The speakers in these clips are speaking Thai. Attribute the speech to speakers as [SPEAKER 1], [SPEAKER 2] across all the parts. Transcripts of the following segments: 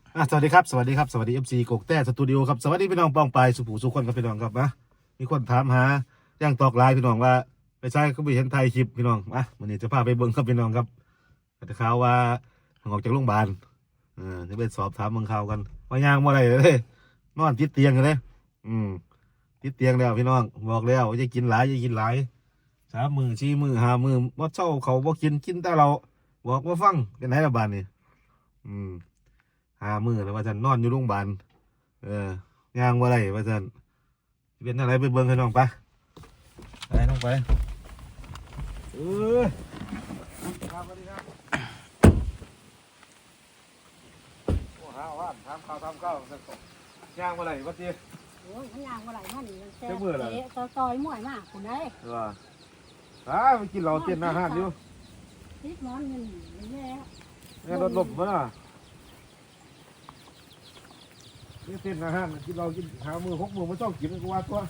[SPEAKER 1] สวัสดีครับสวัสดีครับสวัสดีFCกกแต้สตูดิโอครับสวัสดีพี่น้องปองปายสุภูสุขคนครับพี่น้องครับนะมีคนถามหาย่างตอกลายพี่น้องว่าไปใช้ก็ไม่เห็นไทยคลิปพี่น้องวันนี้จะพาไปเบิ้งครับพี่น้องครับแต่ข่าวว่าออกจากโรงพยาบาลจะไปสอบถามเมืองข่าวกันว่าย่างว่าอะไรเลยนอนติดเตียงกันเลยติดเตียงแล้วพี่น้องบอกแล้วอย่ากินหลายอย่ากินหลาย3 มื้อ4 มื้อ5 มื้อบ่เช้าเขาบ่กินแต่เราบอกว่าฟังเป็นไหนละบาดนี่อืม 5 มื้อแล้วว่าฉันนอนอยู่โรงพยาบาลย่างว่าไรว่าฉันเป็นอะไรไปเบิ่งให้น้องไปน้องไปเออครับสวัสดีครับโอ้หาว่าทำข้าวย่างว่าไรว่าจี
[SPEAKER 2] โอ้ยมันยางว่าไหลมาหนิมันแซ่
[SPEAKER 1] เจ้ามือเหรอ
[SPEAKER 2] ซอยม่วยมากคุณได้
[SPEAKER 1] ว่าไปกินเหล้าเต้นอาหารอยู่
[SPEAKER 2] ติดนอนเงินนี่แหละ
[SPEAKER 1] เนี่ยรถหลบมาน่ะนี่เต้นอาหารกินเหล้ากิน5 มื้อ6 มื้อมันต้องกินกูว่าตัว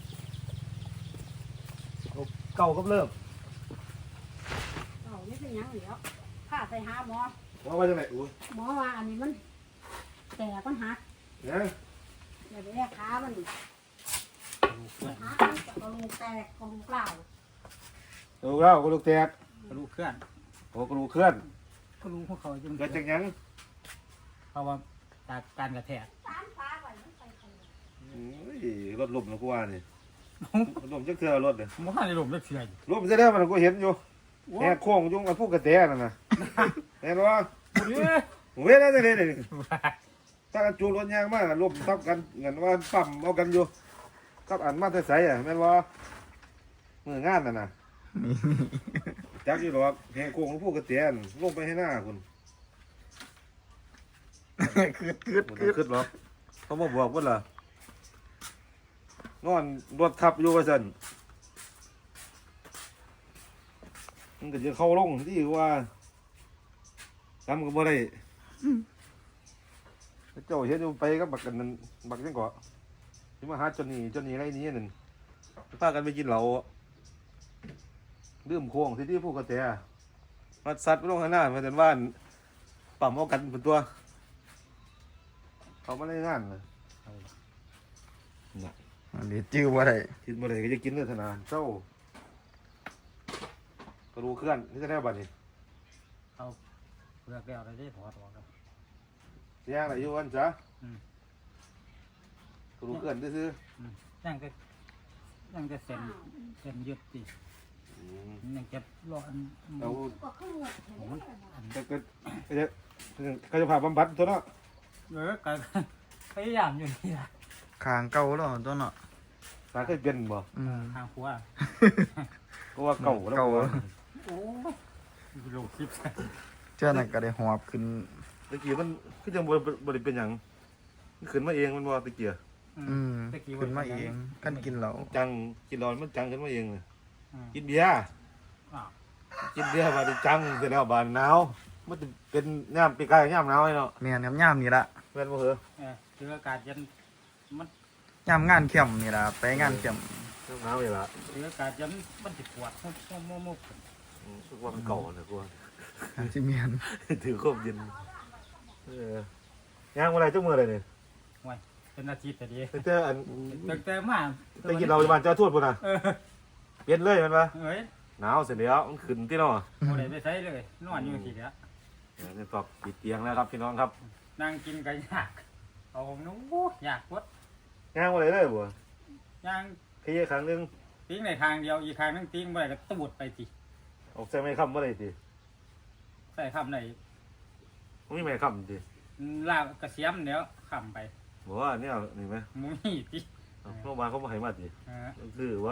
[SPEAKER 1] เก่ากับเลิก
[SPEAKER 2] เอานี่เป็นยังเดี๋ยวข้าใส่หาหมอ
[SPEAKER 1] ว่าจังไหนอู้
[SPEAKER 2] หมอว่าอันนี้มันแต่มันหัก
[SPEAKER 1] เนี่ย
[SPEAKER 2] เดี๋ยวไปแยกขามันหักมันจะกระดูกแตกกระดูกเปล่า
[SPEAKER 1] ดูแล้วกระดูกแตก
[SPEAKER 3] กระดูกเคลื่อน
[SPEAKER 1] โอ้กระดูกเคลื่อน
[SPEAKER 3] กระดูกพวกเขาจึง
[SPEAKER 1] เกิดจากหยัง
[SPEAKER 3] เพราะว่าจากการกระแทก
[SPEAKER 2] ตามฟ้าไว้มันไปคน
[SPEAKER 1] รถลมนะกูว่านี่รถลมจักเทื่อรถเนี่ย
[SPEAKER 3] มันข้าในหลุมเล็กเฉย
[SPEAKER 1] ลมจะได้มันกูเห็นอยู่แหกโค้งยุ่งกับพวกกระแตนั่นน่ะเห็นว่าเว้ยได้จังได๋นี่ถ้ากันจูรถยางมาลมทับกันเงินว่าปั๊มเอากันอยู่กับอันมาแต่ไสแม่นบ่มื้องานนั่นน่ะจักอยู่ดอกแหกโค้งของพวกกระแตนลงไปให้หน้าคุณ ขึ้นหรอกเขามาบอกว่าล่ะนอนรถทับอยู่ว่าซั่นมันก็จะเข้าลงที่ว่าทำก็บ่ได้เจ้าเห็นอยู่ไปก็บักกันนั่นบักจังเกาะที่มาหาจนนี่ไรนี้นั่นพากันไปกินเหล้าดื่มโค้งที่ผู้กระแตมาซัดไปลงข้างหน้ามาจนว่านปั๊มเอากันเป็นตัวเขามาได้งานเลย
[SPEAKER 4] อันนี้จื้อว่าไร
[SPEAKER 1] กินบ่ได้ก็จะกินเลยธนาเจ้ากระดูกเคลื่อนนี่จะได้บัดนี้
[SPEAKER 3] เขาเลือกแล้วได้ถอดออกแล้ว
[SPEAKER 1] ย่างไหนอยู่วันจ้ะ
[SPEAKER 3] อืม
[SPEAKER 1] กระดูกเคลื่อนซื่อ
[SPEAKER 3] ยังจะเส้นยึดติ
[SPEAKER 1] ๆ
[SPEAKER 3] ยังจะรออัน
[SPEAKER 1] เรา
[SPEAKER 2] ก็ขึ้นหมดเลย
[SPEAKER 1] จะเขาจะผ่าบำบัดตัวเนาะ
[SPEAKER 3] ก็พยายามอยู่นี่ละ
[SPEAKER 4] คางเก่าแล้วตัวเนาะ
[SPEAKER 1] สาเคยเป็นบ่
[SPEAKER 3] ทางขัว
[SPEAKER 1] ก็ว่าเก่าแล้ว
[SPEAKER 4] เก่า
[SPEAKER 3] โอ้โลคลิป
[SPEAKER 4] เจ้านั่นก็ได้หอบขึ้น
[SPEAKER 1] ตะกี้มันคือจังบ่ได้เป็นหยังมันขึ้นมาเองมันบ่ตะกี้
[SPEAKER 4] ขึ้นมาเองกันกินเหล้า
[SPEAKER 1] จังกินร้อนมันจังขึ้นมาเองเลยกินเบียร์กินเบียร์มาได้จังเสร็จแล้วบานหนาวมันจะเป็นย่ามปีกายย่ามหนาวไอ้เนาะ
[SPEAKER 4] แม่นครับย่ามนี่ละ
[SPEAKER 1] แม่นบ่เหรอ
[SPEAKER 3] เจออากาศเย็นมัน
[SPEAKER 4] ย่ามงานเข้มนี่ละไปงานเข้ม
[SPEAKER 1] ย่ามหนาวนี่ล่ะ
[SPEAKER 3] เจออากาศเย็นมันจะปวดมุก
[SPEAKER 1] รู้สึกว่ามันเก่าเลยกูว่า
[SPEAKER 4] ที่เมียน
[SPEAKER 1] ถือครบเย็นย่างอะไรจังมืออะไรเนี่ย
[SPEAKER 3] เป็นอาทิตย์แต่ดี
[SPEAKER 1] แต่อัน
[SPEAKER 3] แต่มา
[SPEAKER 1] แต่กินเราจะบ้านเจ้าทวดพุ่นน่ะเปลี่ยนเลยมันปะ
[SPEAKER 3] เอ้ย
[SPEAKER 1] หนาวเสร็จแล้วมันขึ้นที่เนาะ
[SPEAKER 3] โมได้ไปใช้เลยนอนอยู่ทีเดียว
[SPEAKER 1] นี่ตอกปิดเตียงแล้วครับพี่น้องครับ
[SPEAKER 3] นั่งกินก็ยากเอาผมนู้อยากวัด
[SPEAKER 1] ย่างอะไรเลยบ่
[SPEAKER 3] ย่าง
[SPEAKER 1] ขยี้ครั้งนึง
[SPEAKER 3] ติ้งในทางเดียวอีกทางนึงติ้งไปก็ตูดไปที
[SPEAKER 1] ออกใส่ไม้คำบ่ได้สิ
[SPEAKER 3] ใส่คำไหน
[SPEAKER 1] มันมีไม้คำสิ
[SPEAKER 3] ลาบกระเสียมเดี๋ยวคำไป
[SPEAKER 1] บอกว่าเนี่ยนี่ไหม
[SPEAKER 3] มุ้ยที
[SPEAKER 1] โรงพยาบาลเขาบ่ให้มาสิ
[SPEAKER 3] เออ
[SPEAKER 1] คือว่า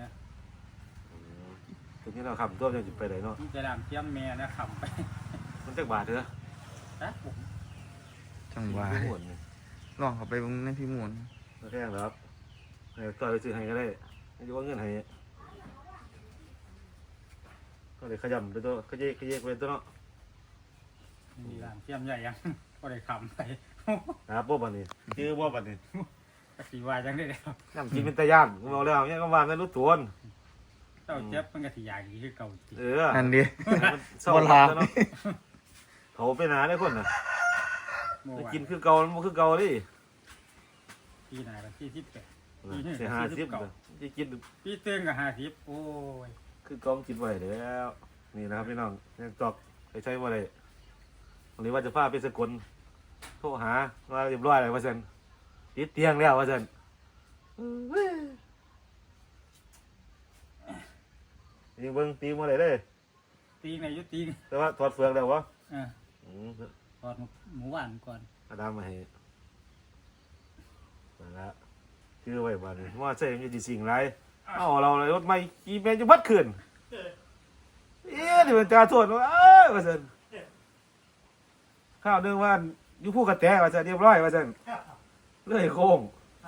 [SPEAKER 1] ตรงนี้เราคำตัวยังจะไปไหนเนาะ
[SPEAKER 3] มันจะดามเทียมแม่นะคำไป
[SPEAKER 1] มันจักบาทเถอะ
[SPEAKER 3] นะผม
[SPEAKER 4] จังหวะ
[SPEAKER 1] ไม่หมดเลย
[SPEAKER 4] ลองเข้าไปเบิ่งในพี่มูล
[SPEAKER 1] แค่แล้วครับให้ต่อยไปซื้อให้ก็ได้ไม่รู้ว่าเงินให้ก็เลยขยำไปตัวขยี้ไปตัวเนาะ
[SPEAKER 3] มีดามเทียมใหญ่ยังก็ได้คำไป
[SPEAKER 1] นะครับบ่บัดนี้ชื่อบ่บัดนี้
[SPEAKER 3] กะสีวายจังได้แล้ว
[SPEAKER 1] น้ำกินเป็นตะย่านกูบอกแล้วเนี่ยก็ว่าไม่รู้ตัว
[SPEAKER 3] เจ้าเจ็บมันกะสีอย่างนี้คือเก่าที
[SPEAKER 4] นั่นดิ
[SPEAKER 1] มันเศร้า
[SPEAKER 4] โบราณ
[SPEAKER 1] เนาะเขาไปหนาได้คนน่ะ
[SPEAKER 3] เมื่อวาน
[SPEAKER 1] กินคือเก่ามันบ่คือเก่าดิ
[SPEAKER 3] ปีหน้าก็48
[SPEAKER 1] เสีย50เด้อสิกิน
[SPEAKER 3] ปีเต็งก็50โอ้ย
[SPEAKER 1] คือเก่ากินบ่ได้แล้วนี่นะครับพี่น้องยังตอกไปใช้บ่ได้หรือว่าจะพาไปสกลโทรหาว่าเรียบร้อยแล้วว่าซั่นติดเตียงแล้วว่าซั่นนี่เบิ่งตีบ่ได้เด้อ
[SPEAKER 3] ตีในยุตีน
[SPEAKER 1] แต่ว่าถอดเฟืองแล้วบ่
[SPEAKER 3] อ่า
[SPEAKER 1] อืม
[SPEAKER 3] ถอดหมูหวานก่อน
[SPEAKER 1] อาดามมาให้มาละคือไว้บ้านนี้ว่าใช่มันจะสิ่งไรเอาเราเลยรถไม่กี่แมนจะบัดขึ้นเดี๋ยวมันจะโทษว่าว่าสันข้าวเนื่องว่าอยู่ผู้กระแตว่าสันเรียบร้อยว่าสันเลื่อยโค้ง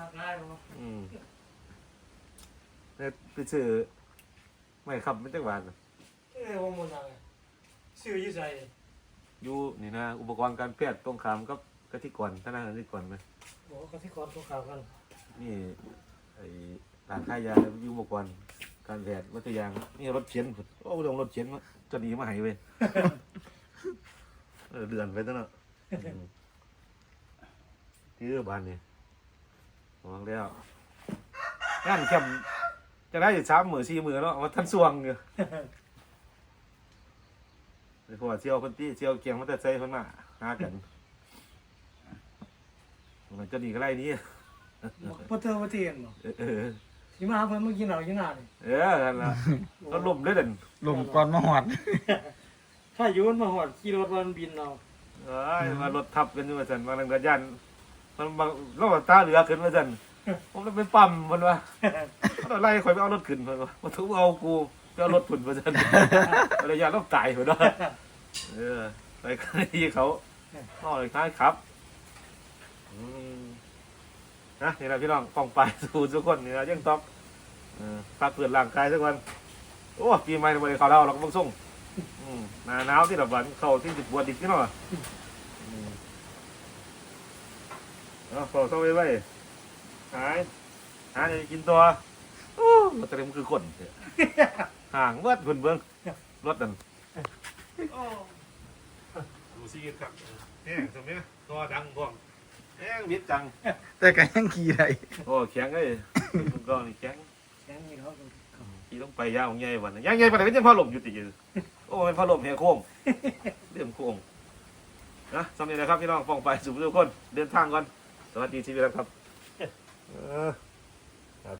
[SPEAKER 1] เนี่ยไปซื้อไม่ขับไม่จังหวัด
[SPEAKER 5] ว่ามันอะไรซื้อยี่ใส่
[SPEAKER 1] อยู่นี่นะอุปกรณ์การแพทย์ตรงขามกับกะทิก่อนธนาคารกะทิก่อนไหม
[SPEAKER 5] บอกว่าที่ก่อนตัวข่าวกัน
[SPEAKER 1] นี่ไอ้ร้านขายยาอยู่อุปกรณ์การแพทย์วัตยางนี่รถเข็นพุ่นโอ้ลงรถเข็นมาจะดีมาให้เว้ย เดือนไปตั้งเนาะที่บ้านนี่บอกแล้วงานเข้มจะได้อยู่3 มื้อ 4 มื้อเนาะว่าท่านสวงอยู่ไอ้พวกเชี่ยวคนที่เชี่ยวเกียงมันจะใส่เพิ่นมาหากันมันจะดีก็ไรนี้
[SPEAKER 5] พอเธอมาเตียนบอก
[SPEAKER 1] เออ
[SPEAKER 5] ที่มาเพิ่นเมื่อกี้เราอยู่หน้านี่
[SPEAKER 1] นั่นล่ะก็ล่มเลยเด่น
[SPEAKER 4] ลมก่อนมาหอด
[SPEAKER 5] ถ้าอยู่มันมาหอดขี่รถวันบินเรา
[SPEAKER 1] เอ้ยมารถทับกันอยู่ว่าซั่นมาทางกระยันมันบางรถตาเหลือขึ้นว่าซั่นผมเลยไปปั๊มเพิ่นว่าเอาไล่ข่อยไปเอารถขึ้นเพิ่นว่าบ่ถูกเอากูไปเอารถพุ่นว่าซั่นระยะต้องตายเพิ่นว่าไปกันที่เขาน้อยคล้ายครับนะนี่แหละพี่น้องป้องไปสู่ทุกคนนี่นะยังต้องพักเปลี่ยนร่างกายสักวันโอ้ปีใหม่ไม่ได้เข้าแล้วเราก็ต้องส่งหนาหนาวที่ระบาดเข้าที่สิบบัวดิบนี่เนาะเข้าเข้าไปไว้หาจะกินตัวโอ้มันเต็มคือคนห่างเวิร์ดเบิ่งรถนั่นดูสิครับแห้งสมัยตัวดังพวกแห้งมิดจัง
[SPEAKER 4] แต่ก็ยังขี่ได้
[SPEAKER 1] โอ้แข็งเลยก็นี่แข็ง
[SPEAKER 5] แข่งนี่เขา
[SPEAKER 1] ขี่ต้องไปยาวของใหญ่วันยางใหญ่ปานไหนเป็นยังพาลมอยู่ติอยู่โอ้เป็นพาลมแห่โค้งเรื่องโค้งนะสำเร็จแล้วครับพี่น้องฟ้องไปสู่ทุกคนเดินทางก่อนสวัสดีชีวิตครับ